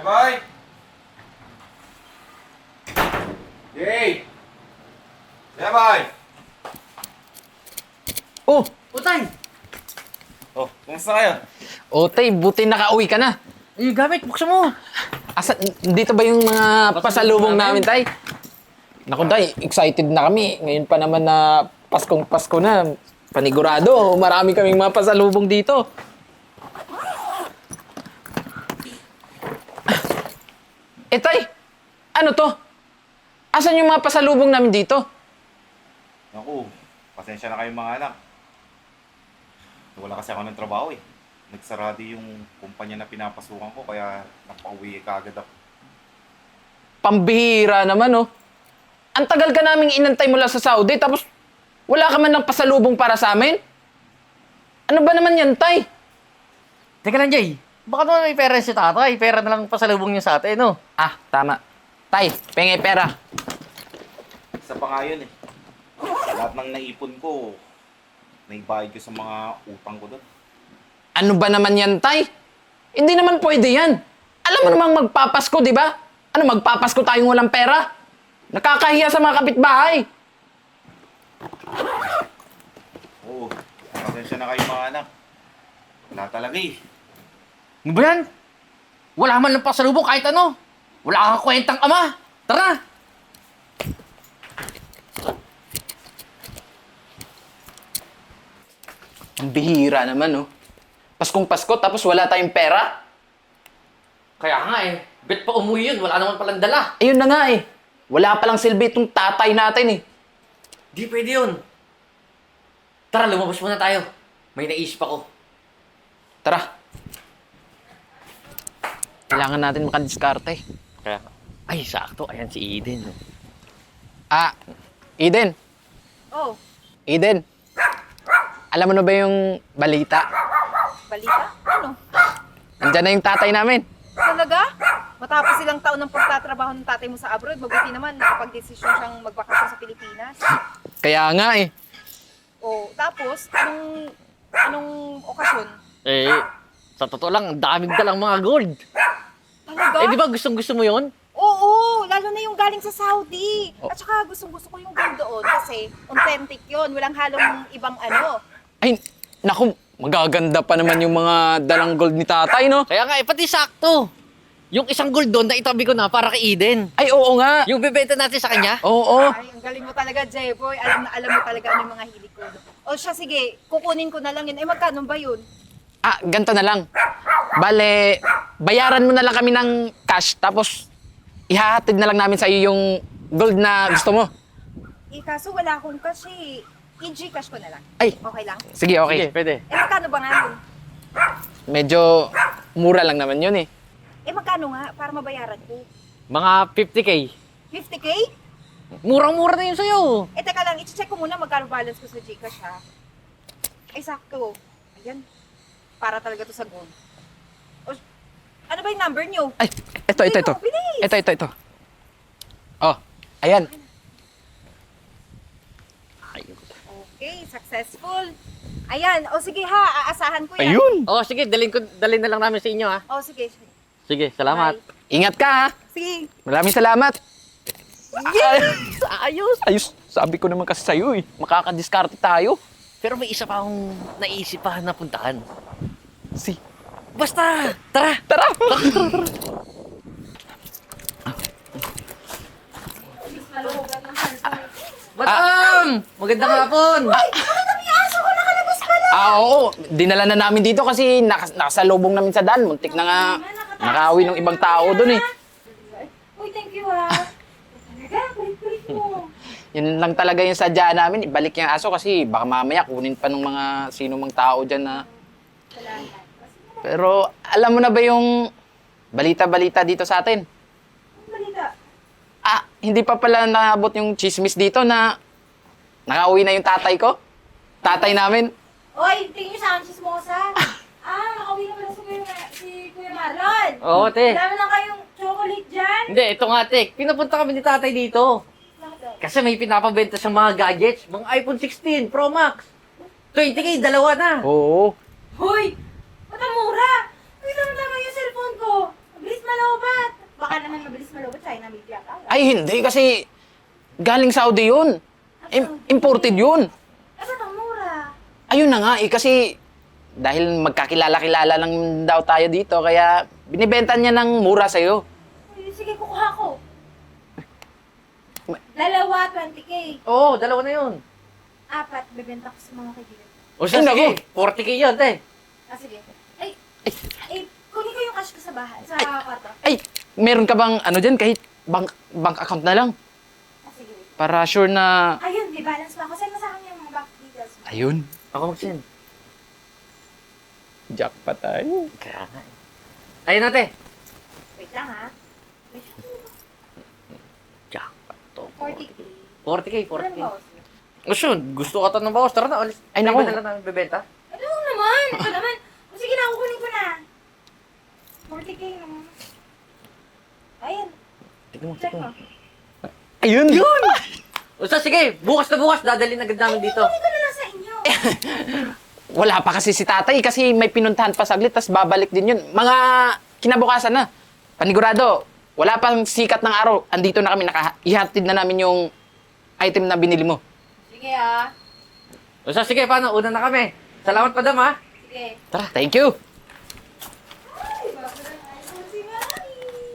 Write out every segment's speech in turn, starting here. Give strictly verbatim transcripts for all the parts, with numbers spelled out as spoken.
Jeboy! Jay! Jeboy! Oh! Utay! Oh, kumusta kayo? O, tay, buti nakauwi ka na. Yung gamit, buksan mo! Asa, dito ba yung mga pasalubong namin, tay? Naku, tay, excited na kami. Ngayon pa naman na Paskong Pasko na. Panigurado, marami kaming mga pasalubong dito. Eh, tay, ano to? Asan yung mga pasalubong namin dito? Naku, pasensya na kayo mga anak. Wala kasi ako ng trabaho eh. Nagsarado yung kumpanya na pinapasukan ko kaya napauwi ka agad ako. Pambihira naman, oh. Ang tagal ka naming inantay mula sa Saudi, tapos wala ka man ng pasalubong para sa amin? Ano ba naman yan, tay? Teka lang, Jay. Baka naman may pera si tatay. Pera na lang pasalubong niya sa atin, no? Ah, tama. Tay, pengi pera. Isa pa nga yun eh. Lahat ng naipon ko, naibayad ko sa mga utang ko doon. Ano ba naman yan, tay? Hindi naman pwede yan. Alam mo namang magpapasko, di ba? Ano, magpapasko tayong walang pera? Nakakahiya sa mga kapitbahay. Oo, pasensya na kayo mga anak. Wala talaga eh. Ano ba yan? Wala man lang pasalubong kahit ano. Wala kang kwentang ama. Tara! Ang bihira naman, oh. Paskong Pasko, tapos wala tayong pera? Kaya nga eh. Bet pa umuwi yun. Wala naman palang dala. Ayun na nga, eh. Wala palang silbi itong tatay natin, eh. Di pwede yun. Tara, lumabas muna tayo. May naisip ako. Tara. Kailangan natin makadiskarte. Kaya, ay, sakto. Ayan si Eden. No? Ah, Eden. Oh, Eden. Alam mo na ba yung balita? balita? Ano? Andiyan na yung tatay namin. Talaga? Matapos ilang taon ng pagtatrabaho ng tatay mo sa abroad, mabuti naman nakapag-desisyon siyang magbakasyon sa Pilipinas. Kaya nga, eh. Oh, tapos, anong, anong okasyon? Eh, sa totoo lang, ang daming dalang mga gold. Talaga? Eh, di ba gustong gusto mo yun? Oo, lalo na yung galing sa Saudi. At saka gustong gusto ko yung gold doon kasi authentic yun. Walang halong ibang ano. Ay, naku, magaganda pa naman yung mga dalang gold ni tatay, no? Kaya nga, eh, pati sakto. Yung isang gold doon, naitabi ko na para kay Eden. Ay, oo nga. Yung bebenta natin sa kanya. Oo. Ay, ang galing mo talaga, Jeboy. Alam na alam mo talaga ano yung mga hilig ko. O siya, sige, kukunin ko na lang yun. Eh, magkano ba yun? Ah, ganito na lang. Bale, bayaran mo na lang kami ng cash, tapos ihahatid na lang namin sa iyo yung gold na gusto mo. Eh, kaso wala akong cash eh. I-Gcash ko na lang. Ay, Okay lang? sige, okay. Sige, pwede. Eh, magkano ba nga yun? Medyo mura lang naman yun, eh. Eh, magkano nga para mabayaran ko? Mga fifty K. fifty K? Murang-mura na yun sa'yo. Eh, teka lang, i-check ko muna magkano balance ko sa Gcash, ha? Ay, sakto. Ayan. Para talaga to sa gold. O, ano ba yung number nyo? Ay, ito, ito, ito. Bilis! Ito, ito, ito. Oh, ayan. Okay, successful. Ayan. O, sige ha, aasahan ko yan. Ayun. Oh, sige, dalhin ko dalhin na lang namin sa inyo, ha. O, sige. Sige, salamat. Bye. Ingat ka, ha? Sige. Maraming salamat. Yes! Ayos! Ayos, sabi ko naman kasi sa'yo, eh. Makakadiskarte tayo. Pero may isa pa akong naisip pa na puntahan. Si, Basta! Tara! tara! Madam! Magandang hapon! Ah, oo. Dinala na namin dito kasi nakas nakasalubong namin sa daan. Muntik na nga nakaawi ng ibang tao doon, eh. Uy, thank you ha. Talaga, kulit-kulit mo. Yun lang talaga yung sadya namin. Ibalik yung aso kasi baka mamaya kunin pa ng mga sino mang tao dyan na... Pero alam mo na ba yung balita-balita dito sa atin? Balita. Ah, hindi pa pala naabot yung chismis dito na nakauwi na yung tatay ko. Tatay namin. Oy, tingin niyo sa akin, chismosa. Ah, nakauwi na pala si Kuya, si Kuya Marlon. Oo, te. Dami lang kayong chocolate dyan. Hindi, ito nga, te. Pinapunta kami ni tatay dito. Kasi may pinapabenta siyang mga gadgets. Mga iPhone sixteen Pro Max. twenty K, dalawa na. Oo. Hoy! Ba't ang mura? Uy, lang naman yung cellphone ko. Mabilis malauban. namin pinakala. Ay, hindi kasi galing Saudi yun. Im- imported yun. Eh, ba't ang mura? Ayun na nga eh, kasi dahil magkakilala-kilala lang daw tayo dito, kaya binibenta niya ng mura sa'yo. Uy, sige, kukuha ko. Dalawa, twenty K. Oo, dalawa na yun. Apat, bebenta ko sa mga kaibigan. O siya, Ay, sige, naku. forty K yun, te. Ah, sige. Ay, ay, kunin ko yung cash ko sa bahay, sa kwarto. Ay, meron ka bang ano dyan, kahit bank, bank account na lang? Ah, sige. wait. Para sure na... Ayun, may balance pa ako. Send mo sa akin yung mga bank details mo. Ayun. Ako mag-send. Jackpot tayo. Kaya nga eh. Ayun na, te. Wait lang, ha? Wait. Jackpot to. forty K. forty K, forty Ano K. ba, boss? O siya, gusto ka to ng bawas. Tara na, alis. Ay, Tayo naku. ba na lang namin bebenta? Ano naman? Ito naman. O sige na, kukunin ko na. forty K naman. Ayun. Tignan mo, Check tignan mo. mo. Ayun! Yun! O siya, sige, bukas na bukas, dadalhin agad namin dito. Kunin ko na lang sa inyo. Wala pa kasi si tatay kasi may pinuntahan pa saglit, tas babalik din yun. Mga kinabukasan na. Panigurado, wala pang sikat ng araw. Andito na kami, naka-ihatid na namin yung item na binili mo. Sige, ha? O siya, sige, paano? Una na kami. Salamat, madam, ha? Sige. Tara, thank you! Ay, bago na tayo sa si Mami.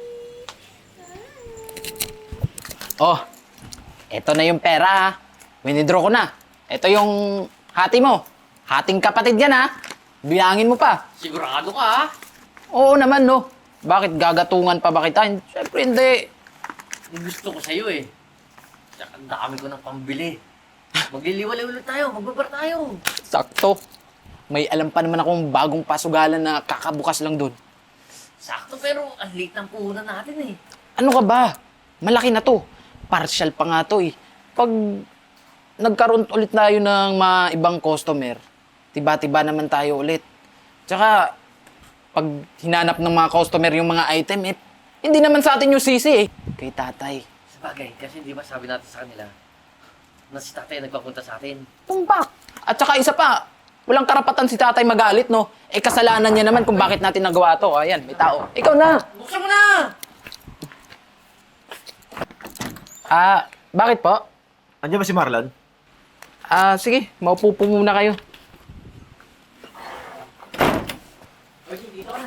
Oh, eto na yung pera ha. Winidraw ko na. Eto yung hati mo. Hating kapatid yan ha. Bilangin mo pa. Sigurado ka, ha? Oo naman no. Bakit gagatungan pa ba kita? Siyempre hindi. Yung gusto ko sa'yo, eh. Tsaka ang dami ko ng pambili. Magliliwalay ulit tayo, magbabar tayo. Sakto. May alam pa naman akong bagong pasugalan na kakabukas lang doon. Sakto, pero ang late ng puhunan natin, eh. Ano ka ba? Malaki na to. Partial pa nga to eh. Pag nagkaroon ulit tayo ng mga ibang customer, tiba-tiba naman tayo ulit. Tsaka, pag hinanap ng mga customer yung mga item, eh, hindi naman sa atin yung sisi eh. Kay tatay. Sabagay, kasi di ba sabi natin sa kanila na si tatay nagpapunta sa atin. Tumpak! At saka isa pa, walang karapatan si tatay magalit, no? Eh, kasalanan niya naman kung bakit natin nagawa to. Ayan, may tao. Ikaw na! Buksan mo na! Ah, bakit po? Andiyan ba si Marlon? Ah, sige, maupo po muna kayo. Oye, dito ka na.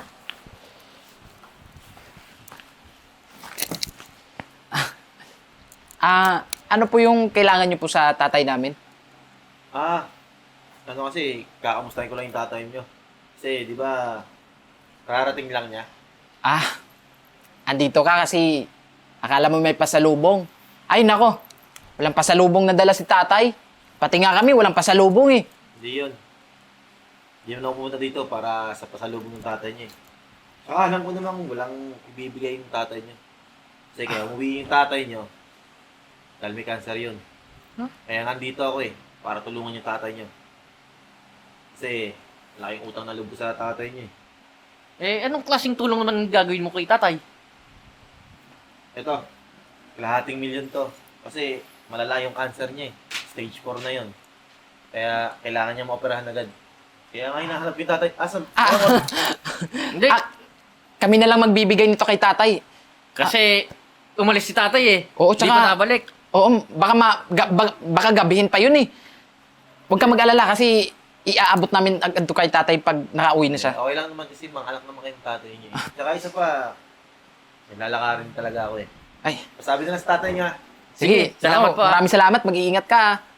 Ah, ano po yung kailangan niyo po sa tatay namin? Ah, ano kasi, kakamustahin ko lang yung tatay niyo. Kasi, di ba, kararating lang niya. Ah, andito ka kasi akala mo may pasalubong. Ay, nako, walang pasalubong na dala si tatay. Pati nga kami, walang pasalubong eh. Hindi yun. Hindi naman ako pumunta dito para sa pasalubong ng tatay niya eh. Saka alam ko namang walang ibibigay yung tatay niyo. Kasi kaya umuwi yung tatay niyo, dahil may cancer yun. Huh? Kaya nandito ako eh, para tulungan yung tatay niyo. Kasi, laking utang na lubos sa tatay niya eh. Eh, anong klaseng tulong naman gagawin mo kay tatay? Ito, kalahating milyon to. Kasi malala yung cancer niya eh. Stage four na yun. Kaya kailangan niya maoperahan agad. Kaya nga hinahanap yung tatay. Asan? Ah, Hindi, ah, kami na lang magbibigay nito kay tatay. kasi umalis si tatay, eh. Oo, Hindi tsaka- pa nabalik. Oo, baka, ma, ga- ba- baka gabihin pa yun eh. Huwag ka mag-alala kasi iaabot namin agad to kay tatay pag nakauwi na siya. Okay lang naman kasi mga anak naman kayong tatay niya eh. Tsaka isa pa, may lalakarin talaga ako eh. Ay, Sabi na lang sa tatay niya, sige. Sige, salamat Ako, po, ah. Maraming salamat. Mag-iingat ka. ah.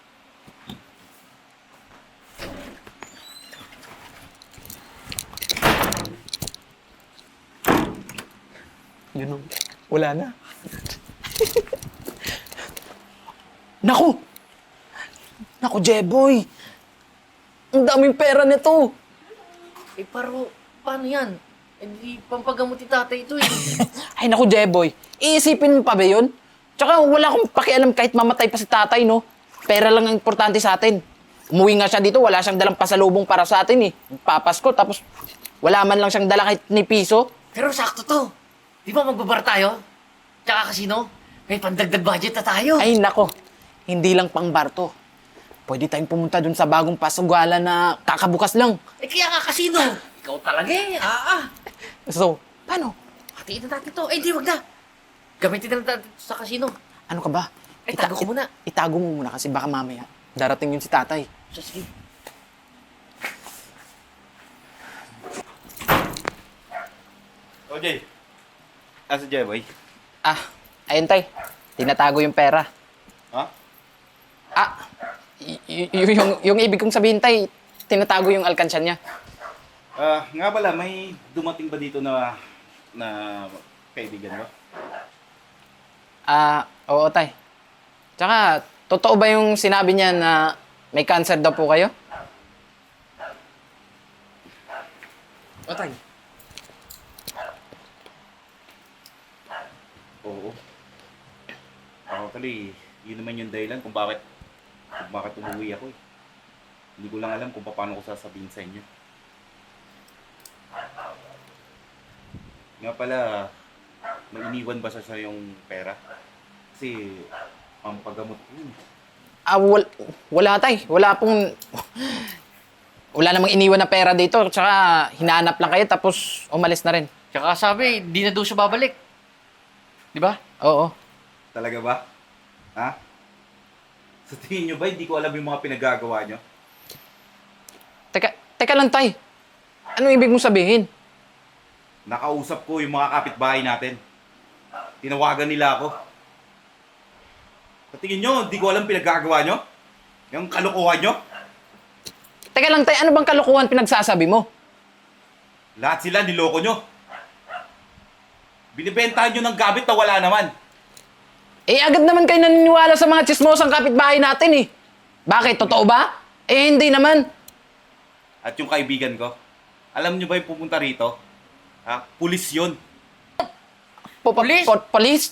Yun o. Wala na. Naku! Naku, Jeboy! Ang daming pera nito! Eh, pero, paano yan? Eh, di pampagamot ni tatay ito, eh. Ay, naku, Jeboy. Iisipin mo pa ba yun? Tsaka wala akong pakialam kahit mamatay pa si tatay, no? Pera lang ang importante sa atin. Umuwi nga siya dito, wala siyang dalang pasalubong para sa atin, eh. Papasko, tapos wala man lang siyang dala kahit ni piso. Pero sakto to. Di ba magbabar tayo? Tsaka kasino? May pandagdag budget na tayo. Ay, nako. Hindi lang pang bar to. Pwede tayong pumunta dun sa bagong pasugalan na kakabukas lang. Eh, kaya nga kasino. Ikaw talaga, eh. Ah, ah. So, paano? Hatiin na natin to. Eh, di, wag na. Gamitin na lang natin sa casino. Ano ka ba? Eh, tago ko muna. Itago mo muna kasi baka mamaya darating yun si tatay. So, sige. O, Jay. Asa Jay, boy? Ah, ayun tay. Tinatago yung pera. Ha? Ah, y- y- y- yung, yung ibig kong sabihin tay, tinatago yung alkansya niya. Ah, nga pala, may dumating ba dito na na kaibigan mo? Ah, oo tay. Tsaka, totoo ba yung sinabi niya na may cancer daw po kayo? O tay. Oo. Actually, yun naman yung dahilan kung bakit kung bakit umuwi ako eh. Hindi ko lang alam kung paano ko sasabihin sa inyo. Nga pala, may iniwan ba siya sa yung pera? Kasi, pampagamot ko yun. Ah, wal- wala tay. Wala pong... Wala namang iniwan na pera dito. Tsaka, hinanap lang kayo tapos umalis na rin. Tsaka sabi, di na daw siya babalik. Di ba? Oo. Talaga ba? Ha? Sa tingin nyo ba, hindi ko alam yung mga pinagagawa nyo? Teka, teka lang tay. Ano ibig mong sabihin? Nakausap ko yung mga kapitbahay natin. Tinawagan nila ako. Sa tingin nyo, hindi ko alam pinagagawa nyo? Yung kalukuhan nyo? Teka lang tay, ano bang kalokohan pinagsasabi mo? Lahat sila niloko nyo. Binibentahan nyo ng gamit na wala naman. Eh, agad naman kayo naniniwala sa mga chismosang kapitbahay natin eh. Bakit? Totoo ba? Eh, hindi naman. At yung kaibigan ko, alam nyo ba yung pupunta rito? Ha? Pulis yun. Po- po- Police? po- Police?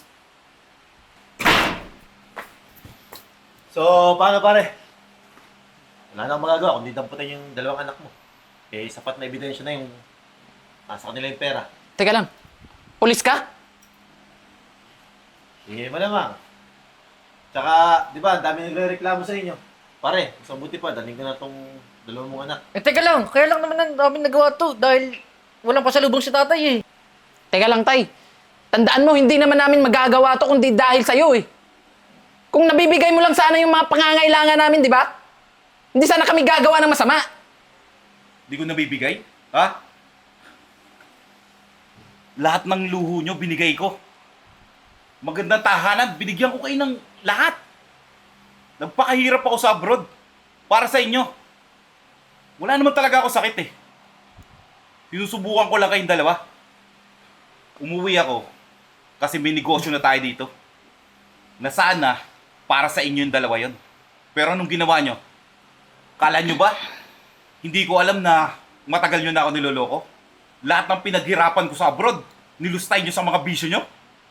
So, paano pare? Wala nang magagawa kundi damputin yung dalawang anak mo. Eh, sapat na ebidensya na yung nasa kanila yung pera. Teka lang. Police ka? Sige, malamang. Tsaka, di ba, ang dami nagre-reklamo sa inyo. Pare, mas mabuti pa, daling ko na tong dalawang mong anak. Eh, teka lang. Kaya lang naman ang namin nagawa to dahil walang pasalubong si tatay eh. Teka lang, tay. Tandaan mo, hindi naman namin magagawa to kundi dahil sa'yo eh. Kung nabibigay mo lang sana yung mga pangangailangan namin, di ba? Hindi sana kami gagawa ng masama. Hindi ko nabibigay. Ha? Lahat ng luho nyo, binigay ko. Magandang tahanan, binigyan ko kayo ng lahat. Nagpakahirap ako sa abroad. Para sa inyo. Wala naman talaga ako sakit eh. Sinusubukan ko lang kayong dalawa. Umuwi ako kasi may negosyo na tayo dito. Na sana para sa inyo yung dalawa yon. Pero anong ginawa nyo? Kala nyo ba? Hindi ko alam na matagal nyo na ako niloloko. Lahat ng pinaghirapan ko sa abroad, nilustay nyo sa mga bisyo nyo.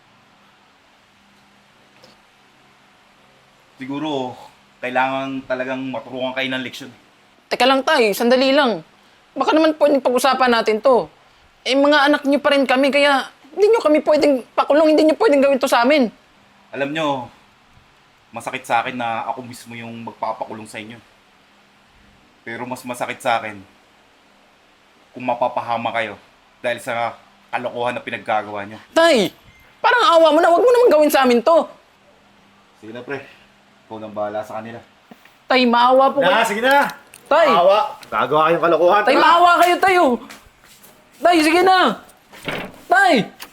Siguro, kailangan talagang maturuan kayo ng leksyon. Teka lang, tay. Sandali lang. Baka naman pwedeng pag-usapan natin to. Eh, mga anak niyo pa rin kami, kaya hindi niyo kami pwedeng pakulong, hindi niyo pwedeng gawin to sa amin. Alam nyo, masakit sa akin na ako mismo yung magpapakulong sa inyo. Pero mas masakit sa akin kung mapapahama kayo dahil sa kalokohan na pinaggagawa nyo. Tay, parang awa mo na. Huwag mo naman gawin sa amin to. Sige na pre, ikaw nang bahala sa kanila. Tay, maawa po Na, kayo. sige na! Tay, Awa! Gagawa kayong kalokohan. tay, maawa kayo tayo. Tay, sige na. Tay!